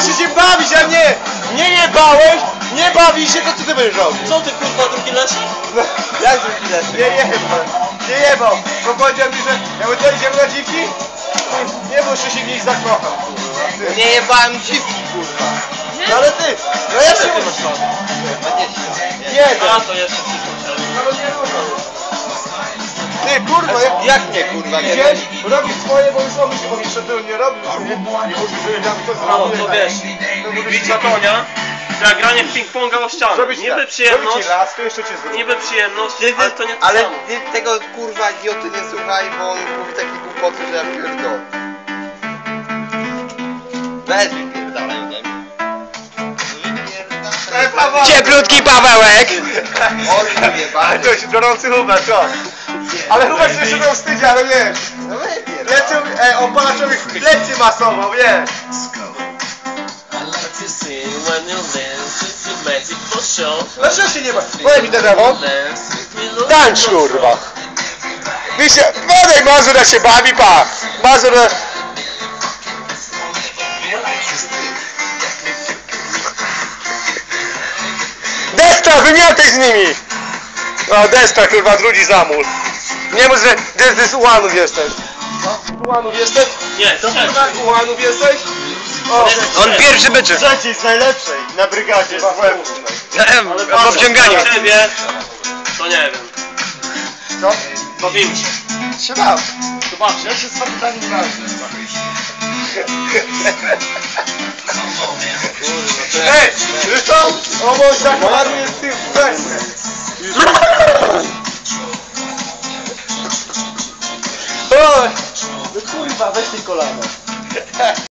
muszę się bawić, a nie jebałeś, nie bawi się, to co ty będziesz robił? Co ty kurwa drugi leci? No, jak drugi raz? Nie jebał, bo powiedział mi, że ja mówię, to idziemy na dziki? Nie, bo jeszcze się w nich zakocham, kurwa. Nie jebałem dziwki, kurwa. No ale ty, no ja się... Nie, A to jeszcze wszystko przerwę. ty, kurwa, Jak nie, kurwa, nie? idziesz, robisz swoje, bo już on jeszcze tył nie robił, nie? I mówisz, że ja to No zrobię. to wiesz, bicie konia, to jak granie w ping-ponga o ścianę. Zrobić Niby tak, przyjemność, zrobić ci raz, to jeszcze cię zrobię. niby przyjemność, ale to nie to Ale samo. ty tego kurwa idioty nie słuchaj, bo on mówi takie głupoty, że ja pierdolę. Weź wypierdalaj, nie? Cieplutki Pawełek! On nie Ale bardzo. to się gorący Hubert, co? Ale Hubert się jeszcze miał wstydzi, ale wiesz. No wypierdalaj. Plecy, on pana człowiek plecy masował, wiesz. Dlaczego się nie ma? Powiem mi telefon. Tańcz, kurwa. Wiecie, badaj Mazur, jak się bawi, pa. Mazur... Destra, wymiataj z nimi! No, Destra, kurwa, drugi zamór. Nie mów, że z ułanów jesteś. Z ułanów jesteś? Nie, to też. Z ułanów jesteś? O, On pierwszy byczy. trzeci z najlepszej na brygadzie z WF. W obciąganiu. Na ciebie, to nie wiem. Co? Bawimy się. Się dam. Zobaczcie. Ja się z kapitanem znalazłem. Ej, zresztą, o mój tak ładnie z tym wersem. Oj, no kurwa, weź ty kolano.